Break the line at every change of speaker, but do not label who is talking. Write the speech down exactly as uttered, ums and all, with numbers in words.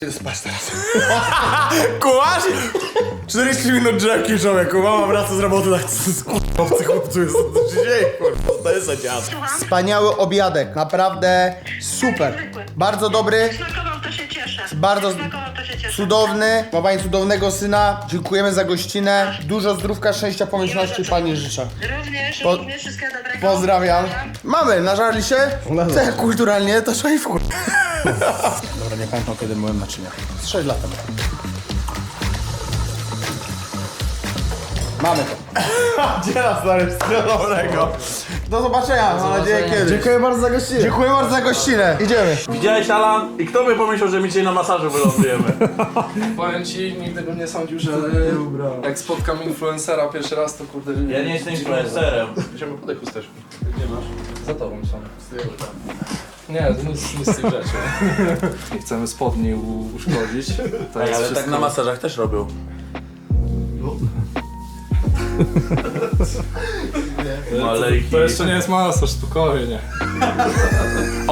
Spać teraz. Kułasz? czterdzieści minut drzemki, człowieku. Mama wraca z roboty, tak obcy chłopcu jest. Co się dzieje, kurwa? To jest za dziad. Wspaniały obiadek, naprawdę super. Bardzo dobry.
Smakował, to się cieszę.
Bardzo
Smakował, to się cieszę.
cudowny. Ma pani cudownego syna. Dziękujemy za gościnę. Dużo zdrówka, szczęścia, pomyślności pani życzę.
Również,
Po-
również wszystkiego dobrego.
Pozdrawiam. Mamy, nażarli się? Tak kulturalnie, to trzeba i w kur... Dobra, nie pamiętam kiedy byłem naczynia. Z sześć lat temu. Mamy to. Gdzie nas stary, wszystkiego dobrego. Do zobaczenia, mam nadzieję kiedyś.
Dziękuję bardzo za gościnę.
Dziękuję bardzo za gościnę. Idziemy.
Widziałeś, Alan? I kto by pomyślał, że my dzisiaj na masażu wylądujemy?
Powiem ci, nigdy bym nie sądził, że jak spotkam influencera pierwszy raz, to kurde...
Ja nie jestem influencerem.
Idziemy po tej chusteczki. Gdzie masz? Za tobą są. Nie, to nic, nic z tych rzeczy. Nie chcemy spodni u- uszkodzić. To
Ej,
jest
ale
wszystko...
tak na masażach też robią. No ale ich
To jeszcze nie jest masaż, spokojnie.